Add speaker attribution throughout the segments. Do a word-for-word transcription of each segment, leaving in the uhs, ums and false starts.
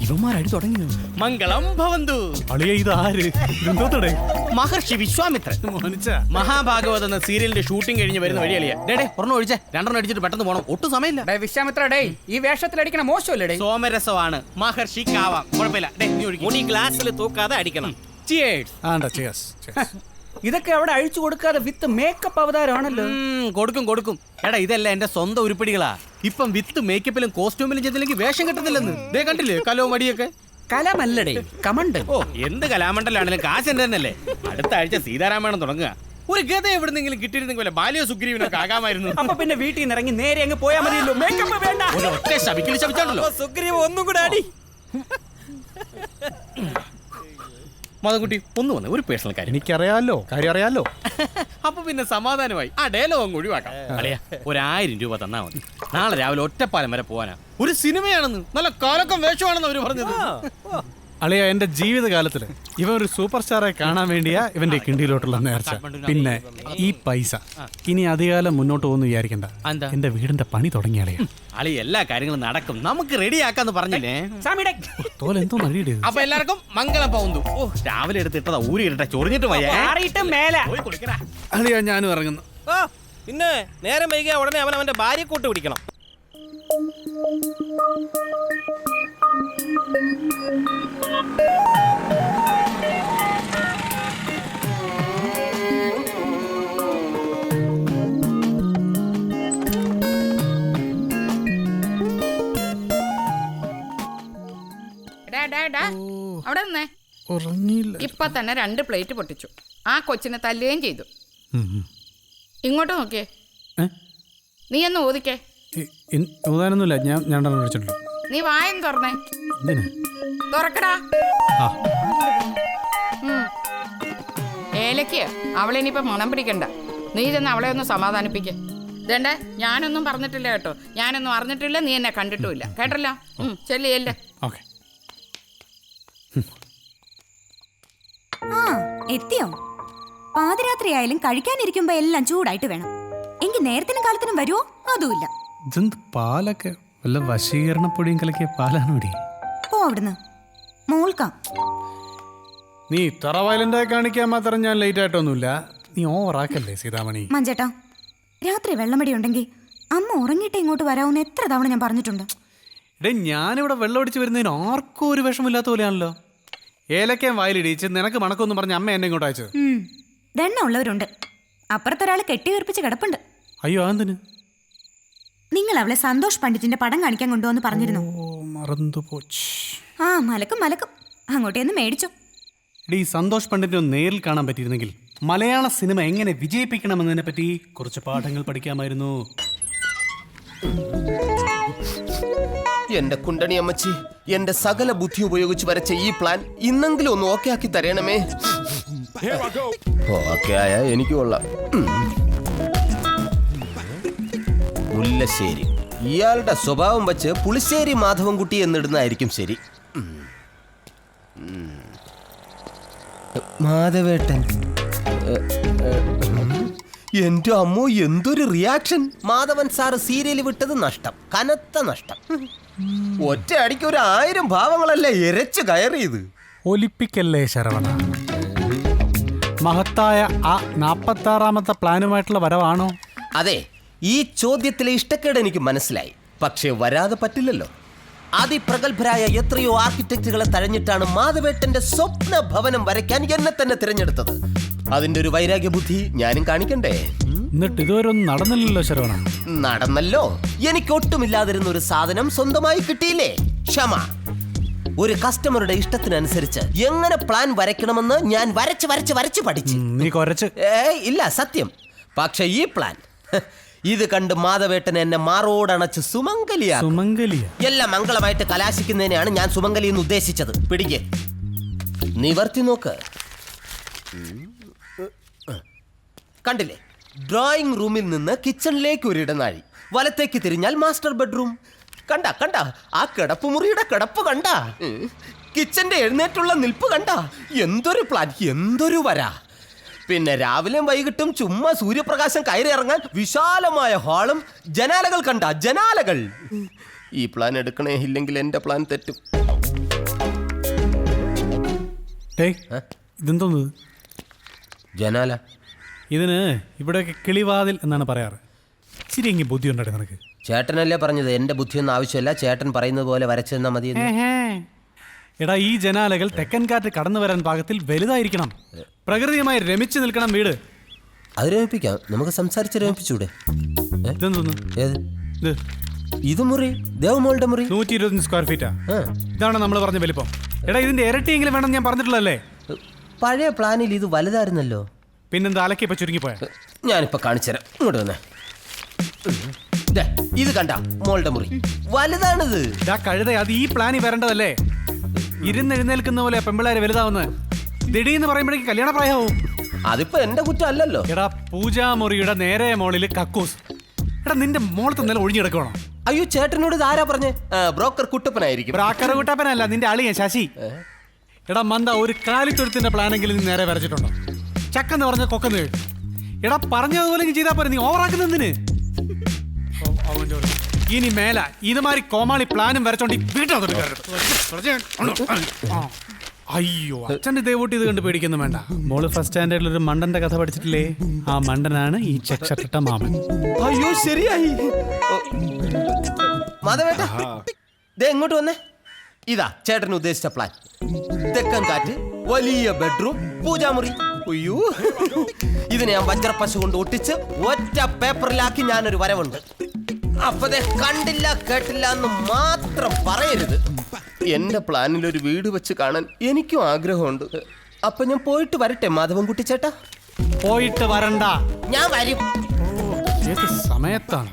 Speaker 1: ഇവന്മാരടി തുടങ്ങി.
Speaker 2: മംഗളം ഭവന്തു.
Speaker 1: അളിയ ഇത് ആര്?
Speaker 2: മഹർഷി വിശ്വാമിത്രൻ. മഹാഭാഗവത് എന്ന സീരിയലിന്റെ ഷൂട്ടിംഗ് കഴിഞ്ഞ് വരുന്ന വഴി അളിയ. ഡേ ഒരെണ്ണം ഒഴിച്ചേ, രണ്ടെണ്ണം അടിച്ചിട്ട് പെട്ടെന്ന് പോകണം. ഒട്ടും സമയമില്ല.
Speaker 3: വിശ്വാമിത്ര ഡേ, ഈ വേഷത്തിൽ അടിക്കണ മോശമല്ലേ?
Speaker 2: സോമരസമാണ്. മഹർഷി കാവാം, കുഴപ്പമില്ല. ഡേ നീ ഒഴിക്കും. മുടി ഗ്ലാസ്സിൽ തൂക്കാതെ അടിക്കണം.
Speaker 3: ഇതൊക്കെ അവിടെ അഴിച്ചു കൊടുക്കാതെ വിത്ത് മേക്കപ്പ് അവതാരമാണല്ലോ.
Speaker 2: കൊടുക്കും കൊടുക്കും. എടാ ഇതല്ല എന്റെ സ്വന്തം ഉരുപ്പിടികളാ. ഇപ്പം വിത്ത് മേക്കപ്പിലും കോസ്റ്റ്യൂമിലും ചെയ്തില്ലെങ്കിൽ വേഷം കിട്ടത്തില്ലെന്ന്. ദേ കണ്ടില്ലേ കലവും മടിയൊക്കെ.
Speaker 3: കലമല്ലടേ, കമണ്ടൽ.
Speaker 2: ഓ എന്ത് കലാമണ്ഡലാണെങ്കിലും കാശ് എന്റെ തന്നെയല്ലേ. അടുത്ത ആഴ്ച സീതാരാമായണം തുടങ്ങുക. ഒരു ഗത എവിടെന്നെങ്കിലും കിട്ടിയിരുന്നെങ്കിൽ ബാല്യ സുഗ്രീവനൊക്കെ ആകാമായിരുന്നു.
Speaker 3: അപ്പൊ പിന്നെ വീട്ടിൽ നിന്ന് ഇറങ്ങി നേരെ അങ്ങ് പോയാൽ മതിയല്ലോ. മേക്കപ്പ് വേണ്ട.
Speaker 2: ഒരു ഒറ്റ ശപിക്കൽ ശപിച്ചാണല്ലോ
Speaker 3: സുഗ്രീവ്. ഒന്നും കൂടെ അടി.
Speaker 2: മതകുട്ടി ഒന്ന് വന്ന് ഒരു പേഴ്സണൽ കാര്യം.
Speaker 1: എനിക്കറിയാലോ, കാര്യം അറിയാലോ.
Speaker 2: അപ്പൊ പിന്നെ സമാധാനമായി. ആ ഡയലോഗ് അങ്ങ് ഒഴിവാക്കാം. അളിയാ ഒരായിരം രൂപ തന്നാ മതി. നാളെ രാവിലെ ഒറ്റപ്പാലം വരെ പോവാനാ. ഒരു സിനിമയാണെന്ന്, നല്ല കാലക്കം വേഷമാണെന്ന് അവര് പറഞ്ഞത്.
Speaker 1: അളിയ എന്റെ ജീവിതകാലത്തില് ഇവൻ ഒരു സൂപ്പർ സ്റ്റാറെ കാണാൻ വേണ്ടിയാ ഇവന്റെ കിണ്ടിയിലോട്ടുള്ള നേർച്ച. പിന്നെ ഈ പൈസ ഇനി അധികാലം മുന്നോട്ട് പോകുന്നു വിചാരിക്കണ്ട. എന്റെ വീടിന്റെ പണി തുടങ്ങിയ അളിയ.
Speaker 2: അളി എല്ലാ കാര്യങ്ങളും നടക്കും, നമുക്ക് റെഡിയാക്കാന്ന് പറഞ്ഞില്ലേ.
Speaker 1: തോലെന്തോ നടിയുടെ.
Speaker 2: അപ്പൊ എല്ലാവർക്കും മംഗളം പോകുന്നു. ഓ രാവിലെ എടുത്തിട്ടതാ ഊരി ഇരട്ടെ, ചൊറിഞ്ഞിട്ട്
Speaker 1: അളിയ ഞാനും ഇറങ്ങുന്നു.
Speaker 4: പിന്നെ നേരം വൈകിയ ഉടനെ അവൻ അവന്റെ ഭാര്യ കൂട്ട് പിടിക്കണം.
Speaker 5: അവിടെ നിന്നേ. ഇപ്പൊ തന്നെ രണ്ട് പ്ലേറ്റ് പൊട്ടിച്ചു. ആ കൊച്ചിനെ തല്ലുകയും ചെയ്തു. ഇങ്ങോട്ട് നോക്കിയേ. നീ ഒന്ന് ഓദിക്കേ.
Speaker 1: ഓതാനൊന്നുമില്ല, ഞാൻ ഞാൻ വിളിച്ചിട്ടുണ്ട്.
Speaker 5: നീ വായം തുറന്നേ. തുറക്കടാ. ഏലക്ക് അവളിനിയിപ്പൊ മണം പിടിക്കണ്ട. നീ ചെന്ന് അവളെ ഒന്ന് സമാധാനിപ്പിക്കേ. ഇതേണ്ടേ ഞാനൊന്നും പറഞ്ഞിട്ടില്ല കേട്ടോ. ഞാനൊന്നും അറിഞ്ഞിട്ടില്ല, നീ എന്നെ കണ്ടിട്ടുമില്ല. കേട്ടല്ലോ. ചെല്ലിയല്ലേ.
Speaker 6: ആ എത്തിയോ? പാതിരാത്രിയായാലും കഴിക്കാനിരിക്കുമ്പോ എല്ലാം ചൂടായിട്ട് വേണം. എങ്കിൽ നേരത്തിനും കാലത്തിനും വരുമോ? അതുമില്ല.
Speaker 1: പാലൊക്കെ വല്ല വശീകരണപ്പൊടിയും കലക്കിയ പാലാണോടി.
Speaker 6: പോ അവിടുന്ന്. മോൾക്കാം.
Speaker 1: നീ ഇത്ര വയലന്റായി കാണിക്കാൻ മാത്രം ഞാൻ ലേറ്റ് ആയിട്ടൊന്നുമില്ല. നീ ഓവറാക്കല്ലേ സീതാമണി.
Speaker 6: മഞ്ചേട്ടാ, രാത്രി വെള്ളമടി ഉണ്ടെങ്കിൽ അമ്മ ഉറങ്ങിയിട്ട് ഇങ്ങോട്ട് വരാവുന്ന എത്ര തവണ ഞാൻ പറഞ്ഞിട്ടുണ്ട്.
Speaker 1: ഇടേ ഞാനിവിടെ വെള്ളം അടിച്ച് വരുന്നതിന് ആർക്കും ഒരു വിഷമില്ലാത്ത പോലെയാണല്ലോ. ഏലക്കയും വായിലിടിച്ച് നിനക്ക് മണക്കൊന്നും പറഞ്ഞ അമ്മ എന്നെ ഇങ്ങോട്ട് അയച്ചത്.
Speaker 6: ദണ്ണ ഉള്ളവരുണ്ട്. അപ്പുറത്തൊരാള് കെട്ടി വീർപ്പിച്ച് കിടപ്പുണ്ട്.
Speaker 1: അയ്യോ അതെന്തിന്?
Speaker 6: നിങ്ങൾ അവളെ സന്തോഷ് പണ്ഡിറ്റിന്റെ പടം കാണിക്കാൻ കൊണ്ടുവന്ന് പറഞ്ഞിരുന്നു. ആ മലക്കും മലക്കും. അങ്ങോട്ടേന്ന് മേടിച്ചു.
Speaker 1: ഈ സന്തോഷ് പണ്ഡിറ്റിനെ നേരിൽ കാണാൻ പറ്റിയിരുന്നെങ്കിൽ മലയാള സിനിമ എങ്ങനെ വിജയിപ്പിക്കണമെന്നതിനെ പറ്റി കുറച്ച് പാഠങ്ങൾ പഠിക്കാമായിരുന്നു.
Speaker 4: എന്റെ കുണ്ടണി അമ്മച്ചി, എന്റെ സകല ബുദ്ധി ഉപയോഗിച്ച് വരച്ച ഈ പ്ലാൻ ഇന്നെങ്കിലും ഒന്ന് ഓക്കെ ആക്കി തരണമേ. ഓക്കെ ആയ എനിക്ക് കൊള്ളാം. മുല്ലശ്ശേരി ഇയാളുടെ സ്വഭാവം വെച്ച് പുളിശ്ശേരി മാധവൻകുട്ടി എന്നിടുന്നതായിരിക്കും ശരി. മാധവേട്ടൻ. എന്റെ അമ്മോ, എന്തൊരു റിയാക്ഷൻ. മാധവൻ സാറ് സീരിയൽ വിട്ടത് നഷ്ടം, കനത്ത നഷ്ടം. ഒറ്റ അടിക്ക് ഒരു ആയിരം ഭാവങ്ങളല്ലേ എരച്ച് കയറിയത്.
Speaker 1: ഒലിപ്പിക്കല്ലേ ശരവണ. മഹത്തായ ആ നാപ്പത്തി ആറാമത്തെ പ്ലാനുമായിട്ടുള്ള വരവാണോ?
Speaker 4: അതെ, ഈ ചോദ്യത്തിലെ ഇഷ്ടക്കേട് എനിക്ക് മനസ്സിലായി. പക്ഷേ വരാതെ പറ്റില്ലല്ലോ. അതിപ്രഗത്ഭരായ എത്രയോ ആർക്കിടെക്റ്റുകളെ തഴഞ്ഞിട്ടാണ് മാധവേട്ടന്റെ സ്വപ്ന ഭവനം വരയ്ക്കാൻ എന്നെ തന്നെ തിരഞ്ഞെടുത്തത്. അതിന്റെ ഒരു വൈരാഗ്യ ബുദ്ധി ഞാനും കാണിക്കണ്ടേ?
Speaker 1: എന്നിട്ട് ഇതുവരെ ഒന്നും നടന്നില്ലല്ലോ ശരവണ.
Speaker 4: നടന്നല്ലോ. എനിക്കൊട്ടുമില്ലാതിരുന്ന ഒരു സാധനം സ്വന്തമായി കിട്ടിയില്ലേ? ക്ഷമ. ഒരു കസ്റ്റമറുടെ ഇഷ്ടത്തിനനുസരിച്ച് എങ്ങനെ പ്ലാൻ വരയ്ക്കണമെന്ന് ഞാൻ വരച്ച് വരച്ച് വരച്ച് പഠിച്ചു.
Speaker 1: നീ കുറച്ച്
Speaker 4: ഏയ് ഇല്ല, സത്യം. പക്ഷെ ഈ പ്ലാൻ ഇത് കണ്ട് മാധവേട്ടൻ എന്നെ മാറോടണച്ച് സുമംഗലിയാ.
Speaker 1: സുമംഗലിയ
Speaker 4: എല്ലാം മംഗളമായിട്ട് കലാശിക്കുന്നതിനെയാണ് ഞാൻ സുമംഗലി എന്ന് ഉദ്ദേശിച്ചത്. പിടിക്ക്, നിവർത്തി നോക്ക്. കണ്ടില്ലേ? ഡ്രോയിങ് റൂമിൽ നിന്ന് കിച്ചണിലേക്ക് ഒരു ഇടനാഴി, വലത്തേക്ക് തിരിഞ്ഞാൽ മാസ്റ്റർ ബെഡ്റൂം. കണ്ട കണ്ട ആ കിടപ്പുമുറിയുടെ കിടപ്പ് കണ്ട, കിച്ചന്റെ എഴുന്നേറ്റുള്ള നിൽപ്പ് കണ്ട. എന്തൊരു പ്ലാൻ, എന്തൊരു വര. പിന്നെ രാവിലെയും വൈകിട്ടും ചുമ്മാ സൂര്യപ്രകാശം കയറി ഇറങ്ങാൻ വിശാലമായ ഹാളും ജനാലകൾ കണ്ട, ജനാലകൾ. ഈ പ്ലാൻ എടുക്കണേ, ഇല്ലെങ്കിൽ എന്റെ പ്ലാൻ തെറ്റും.
Speaker 1: ടേയ് ഇതെന്തോന്ന്
Speaker 4: ജനാല.
Speaker 1: ഇതിന് ഇവിടെയൊക്കെ കിളിവാതിൽ എന്നാണ് പറയാറ്. ശരി എങ്കിൽ ബുദ്ധി ഉണ്ടായി നിനക്ക്.
Speaker 4: ചേട്ടനല്ലേ പറഞ്ഞത് എന്റെ ബുദ്ധിയൊന്നും ആവശ്യമില്ല, ചേട്ടൻ പറയുന്നത് പോലെ വരച്ചു തന്നാ മതി.
Speaker 1: എടാ ഈ ജനാലകൾ തെക്കൻ കാറ്റ് കടന്നു വരാൻ പാകത്തിൽ വലുതായിരിക്കണം. പ്രകൃതിയുമായി രമിച്ചു നിൽക്കണം വീട്.
Speaker 4: അത് രമിപ്പിക്കാം, നമുക്ക് സംസാരിച്ച് രമിപ്പിച്ചൂടെ?
Speaker 1: ഇതെന്തോന്ന്
Speaker 4: ഏത്
Speaker 1: ഇത്?
Speaker 4: ഇത് മുറി ദേവമോളുടെ മുറി
Speaker 1: നൂറ്റി ഇരുപത്തഞ്ച് സ്ക്വയർ ഫീറ്റാ.
Speaker 4: ആ.
Speaker 1: ഇതാണ് നമ്മൾ പറഞ്ഞ വലിപ്പം. എടാ ഇതിന്റെ ഇരട്ടിയെങ്കിലും വേണം ഞാൻ പറഞ്ഞിട്ടുള്ളല്ലേ.
Speaker 4: പഴയ പ്ലാനിൽ ഇത് വലുതായിരുന്നല്ലോ.
Speaker 1: പിന്നെന്താ അലക്കി ഇപ്പൊ ചുരുങ്ങിപ്പോയ.
Speaker 4: ഞാനിപ്പോ കാണിച്ചുതരാം, ഇങ്ങോട്ട് വന്നേ. ദേ, ഇത് കണ്ട മോളുടെ മുറി വലുതാണിത്.
Speaker 1: ഇതാ കഴുത, അത് ഈ പ്ലാനിൽ വരേണ്ടതല്ലേ. ഇരുന്നെഴുന്നേൽക്കുന്ന പോലെ പെമ്പിള്ളേരെ വലുതാവുന്നത്. ദിടീന്ന് പറയുമ്പോഴേക്ക് കല്യാണ പ്രായമാവും.
Speaker 4: അതിപ്പോ എന്റെ കുറ്റം അല്ലല്ലോ.
Speaker 1: എടാ പൂജാമുറിയുടെ നേരെ മോളില് കക്കൂസ്. എടാ നിന്റെ മോളത്തെ നില ഒഴിഞ്ഞെടുക്കണോ?
Speaker 4: അയ്യോ ചേട്ടനോട് ഇത് ആരാ പറഞ്ഞേ? ബ്രോക്കർ കുട്ടപ്പനായിരിക്കും.
Speaker 1: ബ്രാക്കർ കുട്ടപ്പനല്ല, നിന്റെ അളിയൻ ശശി. എടാ മന്ദ, ഒരു കാലിത്തൊഴുത്തിന്റെ പ്ലാനെങ്കിലും നീ നേരെ വരച്ചിട്ടുണ്ടോ? ചക്കെന്ന് പറഞ്ഞ കൊക്കെന്ന് കേട്ടു. എടാ പറഞ്ഞതുപോലെ നീ ചെയ്താൽ പോരെ, നീ ഓവറാക്കുന്നതിന്. ഇനി മേല ഇതുമാതിരി കോമാളി പ്ലാനും വരച്ചോണ്ട് വീട്ടിൽ. അയ്യോ അച്ഛന്റെ ദേവൂട്ടി ഇത് കണ്ട് പേടിക്കുന്നു വേണ്ട. മോള് ഫസ്റ്റ് സ്റ്റാൻഡേർഡിൽ ഒരു മണ്ടന്റെ കഥ പഠിച്ചിട്ടില്ലേ? ആ മണ്ടനാണ് ഈ ചെക്ക് ഷർട്ടിട്ട മാമൻ.
Speaker 4: അയ്യോ ശരിയായി. മാധവേട്ട ദേ എങ്ങോട്ട് വന്നേ. ഇതാ ചേട്ടൻ ഉദ്ദേശിച്ച പ്ലാൻ. തെക്കൻ കാറ്റ്, വലിയ ബെഡ്റൂം, പൂജാമുറി. അയ്യോ ഇതിനെ ഞാൻ വജ്രപ്പശ കൊണ്ട് ഒട്ടിച്ച് ഒറ്റ പേപ്പറിലാക്കി ഞാനൊരു വരവുണ്ട്. അപ്പതേ കണ്ടില്ല കേട്ടില്ല എന്ന് മാത്രം പറയരുത്. എന്റെ പ്ലാനിൽ ഒരു വീട് വെച്ച് കാണാൻ എനിക്കും ആഗ്രഹമുണ്ട്. അപ്പൊ ഞാൻ പോയിട്ട് വരട്ടെ മാധവൻകുട്ടി ചേട്ടാ.
Speaker 1: പോയിട്ട് വരണ്ട,
Speaker 4: ഞാൻ വരും.
Speaker 1: ഏത് സമയത്താണ്?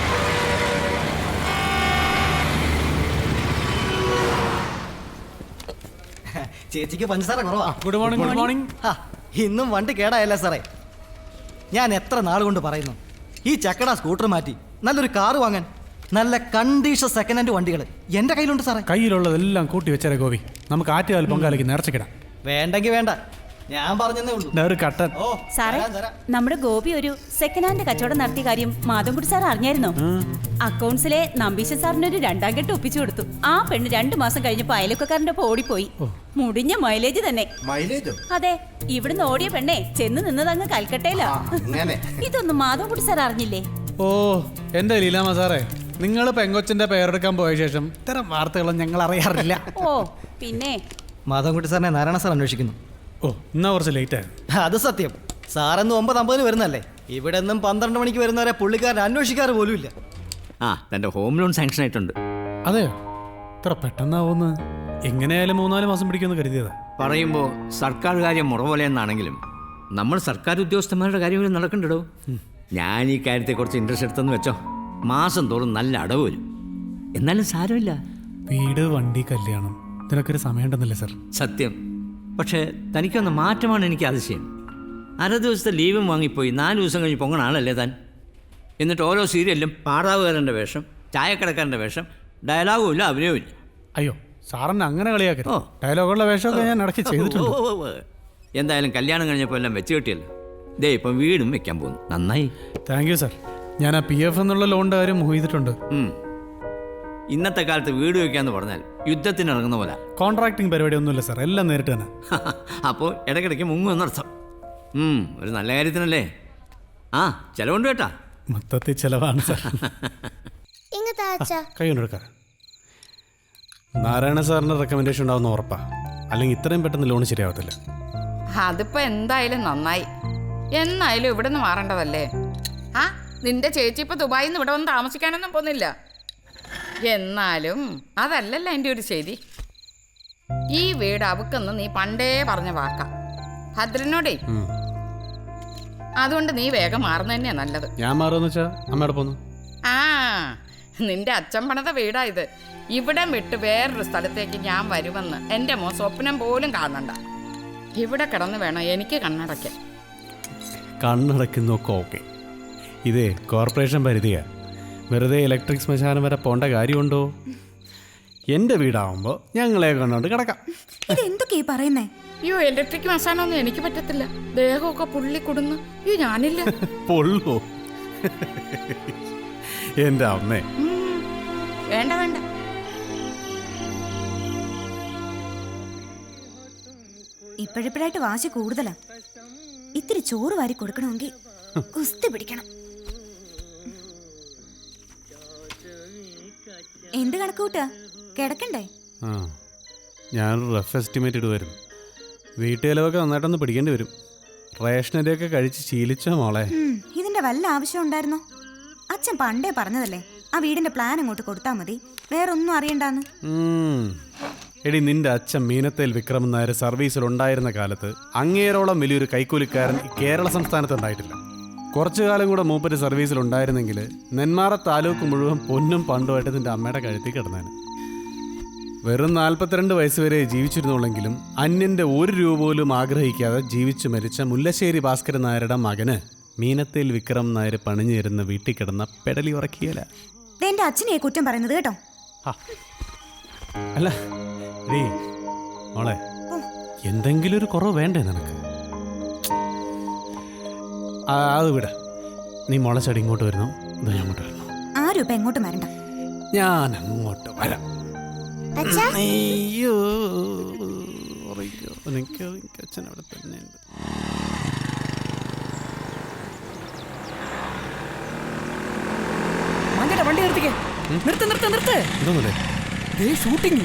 Speaker 7: ചേച്ചിക്ക് പഞ്ചസാര കുറവാ.
Speaker 1: Good morning. Good morning.
Speaker 7: ഇന്നും വണ്ടി കേടായല്ല സാറേ. ഞാൻ എത്ര നാൾ കൊണ്ട് പറയുന്നു ഈ ചക്കട സ്കൂട്ടർ മാറ്റി നല്ലൊരു കാറ് വാങ്ങാൻ. നല്ല കണ്ടീഷൻ സെക്കൻഡ് ഹാൻഡ് വണ്ടികൾ എൻ്റെ കയ്യിലുണ്ട് സാറേ.
Speaker 1: കയ്യിലുള്ളതെല്ലാം കൂട്ടി വെച്ചേരെ ഗോപി, നമുക്ക് ആറ്റുകാൽ പൊങ്കാലയ്ക്ക് നേർച്ചക്കിടാം.
Speaker 7: വേണ്ടെങ്കിൽ വേണ്ട, ഞാൻ പറഞ്ഞതേ ഉള്ളൂ.
Speaker 1: ഒരു കട്ടൻ.
Speaker 7: ഓ
Speaker 6: സാറേ, നമ്മുടെ ഗോപി ഒരു സെക്കൻഡ് ഹാൻഡ് കച്ചവടം നടത്തിയ കാര്യം മാധവൻകുട്ടി സാർ അറിഞ്ഞായിരുന്നോ? അക്കൗണ്ട്സിലെ നമ്പീശൻ സാറിന് ഒരു രണ്ടാം കെട്ട് ഒപ്പിച്ചു കൊടുത്തു. ആ പെണ്ണ് രണ്ടു മാസം കഴിഞ്ഞപ്പോ അയൽവക്കക്കാരന്റെ ഒപ്പം ഓടിപ്പോയി. മുടിഞ്ഞ മൈലേജ് തന്നെ. അതെ, ഇവിടുന്ന് ഓടിയ പെണ്ണെ ചെന്ന് നിന്നതങ്ങ് കൽക്കട്ടയിലാ. ഇതൊന്നും മാധവൻകുട്ടി സാർ അറിഞ്ഞില്ലേ?
Speaker 1: ഓ എന്റെ ലീലാമ സാറേ, നിങ്ങൾ പെങ്കൊച്ചിന്റെ പേരെടുക്കാൻ പോയ ശേഷം ഇത്തരം വാർത്തകളും ഞങ്ങൾ അറിയാറില്ല.
Speaker 6: ഓ പിന്നെ
Speaker 7: മാധവൻകുട്ടി സാറിനെ നാരായണ സാർ അന്വേഷിക്കുന്നു.
Speaker 1: ഓ എന്നാ കുറച്ച് ലേറ്റ് ആയി.
Speaker 7: അത് സത്യം. സാറെന്ന് ഒമ്പത് അമ്പതിന് വരുന്നല്ലേ, ഇവിടെ നിന്നും പന്ത്രണ്ട് മണിക്ക് വരുന്നവരെ പുള്ളിക്കാരൻ അന്വേഷിക്കാറ് പോലും ഇല്ല.
Speaker 2: ആ തന്റെ ഹോം ലോൺ സാങ്ഷൻ ആയിട്ടുണ്ട്.
Speaker 1: അതെയോ? ഇത്ര പെട്ടെന്നാവുന്ന്? എങ്ങനെയായാലും മൂന്നാല് മാസം പിടിക്കുമെന്ന് കരുതിയതാ.
Speaker 8: പറയുമ്പോൾ സർക്കാർ കാര്യം മുറ പോലെയെന്നാണെങ്കിലും നമ്മൾ സർക്കാർ ഉദ്യോഗസ്ഥന്മാരുടെ കാര്യം നടക്കണ്ടോ. ഞാൻ ഈ കാര്യത്തെ കുറച്ച് ഇൻട്രസ്റ്റ് എടുത്തെന്ന് വെച്ചോ, മാസം തോറും നല്ല അടവ് വരും. എന്നാലും സാരമില്ല.
Speaker 1: വീട്, വണ്ടി, കല്യാണം, ഇതിനൊക്കെ ഒരു സമയമുണ്ടെന്നില്ലേ സാർ?
Speaker 8: സത്യം. പക്ഷേ തനിക്കൊന്ന് മാറ്റമാണ് എനിക്ക് അതിശയം. അര ദിവസത്തെ ലീവും വാങ്ങിപ്പോയി നാല് ദിവസം കഴിഞ്ഞ് പൊങ്ങണ ആളല്ലേ താൻ. എന്നിട്ട് ഓരോ സീരിയലിലും പാടാവുകാരൻ്റെ വേഷം, ചായക്കടക്കാരൻ്റെ വേഷം, ഡയലോഗും ഇല്ല, അഭിനയവും ഇല്ല.
Speaker 1: അയ്യോ സാറിന് അങ്ങനെ കളിയാക്കരുത്.
Speaker 8: ഓ.
Speaker 1: ഡയലോഗുള്ള വേഷമൊക്കെ ഞാൻ ഇടയ്ക്ക് ചെയ്തിട്ടുണ്ട്.
Speaker 8: ഓ, ഓ, ഓ. എന്തായാലും കല്യാണം കഴിഞ്ഞപ്പോൾ എല്ലാം വെച്ച് കിട്ടിയല്ലോ. ദേ ഇപ്പം വീടും വെക്കാൻ പോകുന്നു. നന്നായി.
Speaker 1: Thank you sir. ഞാൻ ആ പി എഫ് എന്നുള്ള ലോണിൻ്റെ കാര്യം ചെയ്തിട്ടുണ്ട്.
Speaker 8: ഇന്നത്തെ കാലത്ത് വീട് വയ്ക്കാന്ന് പറഞ്ഞാൽ യുദ്ധത്തിന് ഇറങ്ങുന്ന പോലെ.
Speaker 1: കോൺട്രാക്ടിങ് പരിപാടി ഒന്നുമില്ല സാർ, എല്ലാം നേരിട്ട് തന്നെ.
Speaker 8: അപ്പോൾ ഇടയ്ക്കിടയ്ക്ക് മുങ്ങുമെന്നർത്ഥം. ഒരു നല്ല കാര്യത്തിനല്ലേ. ആ ചിലവുണ്ട് കേട്ടാ.
Speaker 1: മൊത്തത്തിൽ ചിലവാണ് സാർ. കൈ കൊണ്ടെടുക്കാം. നാരായണ സാറിന്റെ റെക്കമെൻഡേഷൻ ഉണ്ടാവുന്ന ഉറപ്പാ, അല്ലെങ്കിൽ ഇത്രയും പെട്ടെന്ന് ലോൺ ശരിയാവത്തില്ല.
Speaker 5: അതിപ്പോ എന്തായാലും നന്നായി. എന്നായാലും ഇവിടെ നിന്ന് മാറേണ്ടതല്ലേ. ആ നിന്റെ ചേച്ചി ഇപ്പൊ ദുബായിൽ നിന്ന് ഇവിടെ വന്ന് താമസിക്കാനൊന്നും പോകുന്നില്ല. എന്നാലും അതല്ലല്ലോ എൻ്റെ ഒരു ശരി. ഈ വീട് അവക്കെന്ന് നീ പണ്ടേ പറഞ്ഞ വാക്കാ ഭദ്രനോടേ. അതുകൊണ്ട് നീ വേഗം മാറുന്ന തന്നെയാ നല്ലത്.
Speaker 1: ഞാൻ മാറുമെന്ന് വെച്ചാ അമ്മയുടെ പോന്നു.
Speaker 5: ആ നിന്റെ അച്ഛൻ പണിത വീടാ ഇത്. ഇവിടെ വിട്ട് വേറൊരു സ്ഥലത്തേക്ക് ഞാൻ വരുമെന്ന് എൻ്റെ മോ സ്വപ്നം പോലും കാണണ്ട. ഇവിടെ കിടന്ന് വേണം എനിക്ക് കണ്ണടയ്ക്കാൻ.
Speaker 1: കണ്ണടയ്ക്കുന്നൊക്കെ ഓക്കെ. ഇതേ കോർപ്പറേഷൻ പരിധിയാ. വെറുതെ ഇലക്ട്രിക് ശ്മശാനം വരെ പോണ്ട കാര്യമുണ്ടോ? എൻ്റെ വീടാവുമ്പോൾ ഞങ്ങളെ കണ്ടോണ്ട് കിടക്കാം.
Speaker 6: ഇതെന്തൊക്കെയാ പറയുന്നേ?
Speaker 5: അയ്യോ ഇലക്ട്രിക് മസാനൊന്നും എനിക്ക് പറ്റത്തില്ല. ദേഹമൊക്കെ പുള്ളി കൊടുന്നു. അയ്യോ ഞാനില്ല.
Speaker 1: പൊള്ളോ എൻ്റെ അമ്മേ.
Speaker 5: വേണ്ട വേണ്ട.
Speaker 9: ഇപ്പോഴിപ്പോഴായിട്ട് വാശി കൂടുതലാ. ഇത്തിരി ചോറ് വാരി കൊടുക്കണമെങ്കിൽ കുസ്തി പിടിക്കണം. എന്ത് കണക്കൂട്ടാ? കിടക്കണ്ടേ?
Speaker 1: ആ ഞാനൊരു റഫ് എസ്റ്റിമേറ്റ് ഇടുമായിരുന്നു. വീട്ടുചെലവൊക്കെ നന്നായിട്ടൊന്ന് പിടിക്കേണ്ടി വരും. റേഷനരിയൊക്കെ കഴിച്ച് ശീലിച്ചോ മോളെ?
Speaker 9: ഉം, ഇതിന്റെ വല്ല ആവശ്യം ഉണ്ടായിരുന്നോ? അച്ഛൻ പണ്ടേ പറഞ്ഞതല്ലേ ആ വീടിന്റെ പ്ലാൻ അങ്ങോട്ട് കൊടുത്താൽ മതി, വേറൊന്നും അറിയണ്ടാന്ന്.
Speaker 1: ഉം. എടി നിന്റെ അച്ഛൻ മീനത്തേൽ വിക്രമൻ നായർ സർവീസിൽ ഉണ്ടായിരുന്ന കാലത്ത് അങ്ങേരോളം വലിയൊരു കൈക്കൂലിക്കാരൻ ഈ കേരള സംസ്ഥാനത്ത് ഉണ്ടായിട്ടില്ല. കുറച്ചു കാലം കൂടെ മൂപ്പര് സർവീസിൽ ഉണ്ടായിരുന്നെങ്കിൽ നെന്മാറ താലൂക്ക് മുഴുവൻ പൊന്നും പണ്ടുമായിട്ട് നിന്റെ അമ്മയുടെ കഴുത്തിൽ കിടന്നേന്. വെറും നാൽപ്പത്തിരണ്ട് വയസ്സ് വരെ ജീവിച്ചിരുന്നുള്ളെങ്കിലും അന്യന്റെ ഒരു രൂപ പോലും ആഗ്രഹിക്കാതെ ജീവിച്ചു മരിച്ച മുല്ലശ്ശേരി ഭാസ്കരൻ നായരുടെ മകന് മീനത്തേൽ വിക്രം നായർ പണിഞ്ഞു തരുന്ന വീട്ടിൽ കിടന്ന പെടലി ഉറക്കിയല്ല.
Speaker 9: എന്റെ അച്ഛനെ കുറ്റം പറയുന്നത് കേട്ടോ.
Speaker 1: അല്ല ഡീ മോളെ, എന്തെങ്കിലും ഒരു കുറവ് വേണ്ടേ നിനക്ക്? ആ, അത് വിട. നീ മോളെ ചടി ഇങ്ങോട്ട് വരുന്നു, ഇത് ഞാൻ അങ്ങോട്ട് വരുന്നു.
Speaker 9: ആരും ഇപ്പൊ എങ്ങോട്ടും വരണ്ട.
Speaker 1: ഞാൻ അങ്ങോട്ട് വരാം. അയ്യോ എനിക്ക് അച്ഛൻ അവിടെ തന്നെയുണ്ട്.
Speaker 3: വണ്ടി നിർത്തിക്കേ. നിർത്ത് നിർത്ത് നിർത്ത്.
Speaker 1: ഇതൊന്നുമില്ലേ?
Speaker 3: ഷൂട്ടിങ്.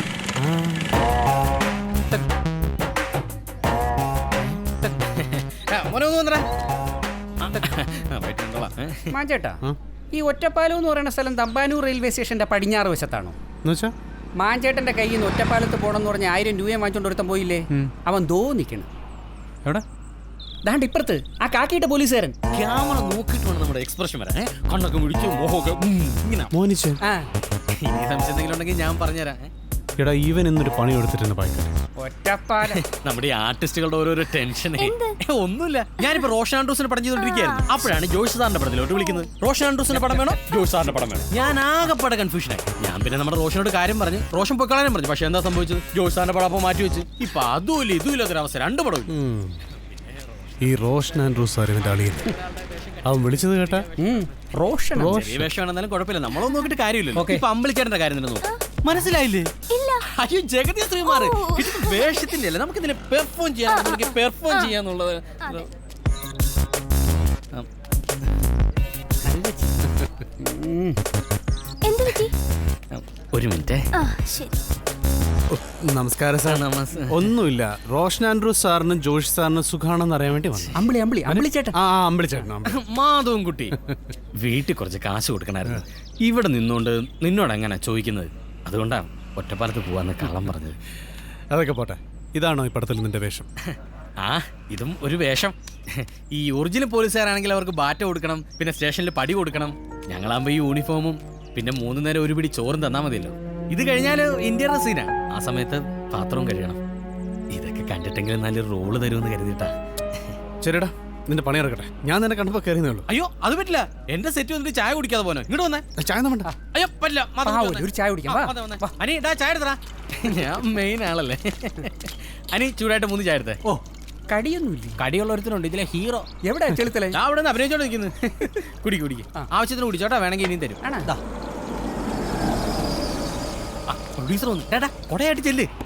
Speaker 3: മാഞ്ചേട്ടാ, ഈ ഒറ്റപ്പാലം എന്ന് പറയുന്ന സ്ഥലം തമ്പാനൂർ റെയിൽവേ സ്റ്റേഷന്റെ പടിഞ്ഞാറ് വശത്താണോ?
Speaker 1: എന്നുവെച്ചാ
Speaker 3: മാഞ്ചേട്ടന്റെ കയ്യിൽ നിന്ന് ഒറ്റപ്പാലത്ത് പോണെന്ന് പറഞ്ഞ ആയിരം രൂപയും വാങ്ങിച്ചോണ്ട് ഒരുത്തം പോയില്ലേ, അവൻ ദോ നിൽക്കണം.
Speaker 1: എവിടെ?
Speaker 3: ദാണ്ട് ഇപ്പുറത്ത് ആ കാക്കിയിട്ട പോലീസുകാരൻ.
Speaker 2: ക്യാമറ നോക്കിയിട്ട് വേണം നമ്മുടെ എക്സ്പ്രഷൻ വരാൻ. കണ്ണൊക്കെ മുടിച്ച് മോഹമൊക്കെ ഇങ്ങനെ.
Speaker 1: മോനിച്ച്
Speaker 3: ആ
Speaker 2: ഇനി സംശയം എന്തെങ്കിലും ഉണ്ടെങ്കിൽ ഞാൻ പറഞ്ഞുതരാം.
Speaker 1: എടാ ഈവൻ എന്നൊരു പണി കൊടുത്തിട്ടുണ്ട് പായ്ക്കാരൻ.
Speaker 3: ഒറ്റപ്പാലം
Speaker 2: നമ്മുടെ ഈ ആർട്ടിസ്റ്റുകളുടെ ഓരോരോ ടെൻഷനേ. ഒന്നുമില്ല, ഞാനിപ്പോ റോഷൻ ആൻഡ്രൂസിന്റെ പടം ചെയ്തോണ്ടിരിക്കുകയായിരുന്നു. അപ്പോഴാണ് ജോഷ് സാറിന്റെ പടത്തിലോട്ട് വിളിക്കുന്നത്. റോഷൻ ആൻഡ്രൂസിന്റെ പടം വേണോ, ജോഷ് സാറിന്റെ പടം വേണോ? ഞാൻ ആകെപ്പാടെ കൺഫ്യൂഷനായി. ഞാൻ പിന്നെ നമ്മുടെ റോഷനോട് കാര്യം പറഞ്ഞു, റോഷൻ പൊക്കളാനും പറഞ്ഞു. പക്ഷെ എന്താ സംഭവിച്ചത്? ജോഷ് സാറിന്റെ പടം അപ്പോൾ മാറ്റി വെച്ച് ഇപ്പൊ അതും ഇല്ല ഇതും ഇല്ലാത്തൊരവസ്ഥ, രണ്ട് പടവും.
Speaker 1: ഈ റോഷൻ ആൻഡ്രൂസ് സാർ ഇവന്റെ അളിയൻ. അവൻ വിളിച്ചത് കേട്ടാ?
Speaker 3: റോഷൻ
Speaker 2: ചെറിയ വേഷമാണെന്നാലും കുഴപ്പമില്ല, നമ്മളൊന്നും നോക്കിയിട്ട് കാര്യമില്ലല്ലോ. ഇപ്പൊ അമ്പളിച്ചേട്ടന്റെ കാര്യം തന്നെ നോക്കും. മനസ്സിലായില്ലേ? അയ്യോ ജഗതി ശ്രീമാർ, ഇത് വേഷത്തിന്റെ അല്ലേ, നമുക്ക് ഇതിനെ പെർഫോം ചെയ്യാൻ പെർഫോം ചെയ്യാന്നുള്ളത്. ഒരു മിനിറ്റ്.
Speaker 1: നമസ്കാരം സാർ. ഒന്നുമില്ല, റോഷൻ ആൻഡ്രൂസ് സാറിനും ജോഷ് സാറിനും സുഖാണെന്ന് അറിയാൻ വേണ്ടി വന്നു.
Speaker 3: അമ്പിളി അമ്പിളി അമ്പിളിച്ചേട്ടൻ.
Speaker 1: ആ അമ്പിളിച്ചേട്ടൻ.
Speaker 2: മാധവൻ കുട്ടി, വീട്ടിൽ കുറച്ച് കാശ് കൊടുക്കണമായിരുന്നു. ഇവിടെ നിന്നുകൊണ്ട് നിന്നോട് എങ്ങനെ ചോദിക്കുന്നത്? അതുകൊണ്ടാണ് ഒറ്റപ്പാലത്ത് പോവാന്ന് കള്ളം പറഞ്ഞത്.
Speaker 1: അതൊക്കെ പോട്ടെ, ഇതാണോ ഈ പടത്തിൽ നിന്റെ വേഷം?
Speaker 2: ആ ഇതും ഒരു വേഷം. ഈ ഒറിജിനൽ പോലീസുകാരാണെങ്കിൽ അവർക്ക് ബാറ്റ കൊടുക്കണം, പിന്നെ സ്റ്റേഷനിൽ പടി കൊടുക്കണം. ഞങ്ങളാകുമ്പോൾ ഈ യൂണിഫോമും പിന്നെ മൂന്ന് നേരം ഒരു പിടി ചോറും തന്നാൽ മതിയല്ലോ. ഇത് കഴിഞ്ഞാൽ ഇന്ത്യയുടെ സീനാ, ആ സമയത്ത് പാത്രവും കഴിയണം. ഇതൊക്കെ കണ്ടിട്ടെങ്കിലും നല്ലൊരു റോള് തരുമെന്ന് കരുതിയിട്ടാ.
Speaker 1: ശരിടാ, നിന്റെ പണി ഇറക്കട്ടെ. ഞാൻ നിന്നെ കണ്ടപ്പോ കയറിയേ ഉള്ളൂ.
Speaker 2: അയ്യോ അത് പറ്റില്ല, എന്റെ സെറ്റ് വന്നിട്ട് ചായ കുടിക്കാതെ പോനോ? ഇങ്ങോട്ട് വന്നേ.
Speaker 1: ചായ വേണ്ട.
Speaker 2: അയ്യോ പറ്റില്ല,
Speaker 3: ഒരു ചായ കുടിക്കാം.
Speaker 2: അനി ഇതാ ചായ എടുത്തടാ. ഞാൻ മെയിൻ ആളല്ലേ. അനി ചൂടായിട്ട് മൂന്ന് ചായ എടുത്തേ.
Speaker 3: ഓ കടിയൊന്നുമില്ല.
Speaker 2: കടിയുള്ള ഒരുത്തനുണ്ട് ഇതിലെ ഹീറോ.
Speaker 3: എവിടെ ചെളുത്തലേ?
Speaker 2: ഞാൻ അവിടെ നിന്ന് അഭിനയിച്ചോണ്ട് നിൽക്കുന്നു. കുടി കുടിക്ക്, ആവശ്യത്തിന് കുടിച്ചോട്ടാ, വേണമെങ്കിൽ ഇനിയും തരും.
Speaker 3: ആണോ?
Speaker 2: പ്രൊഡ്യൂസർ വന്നു. കൊടയായിട്ട് ചെല്ല്.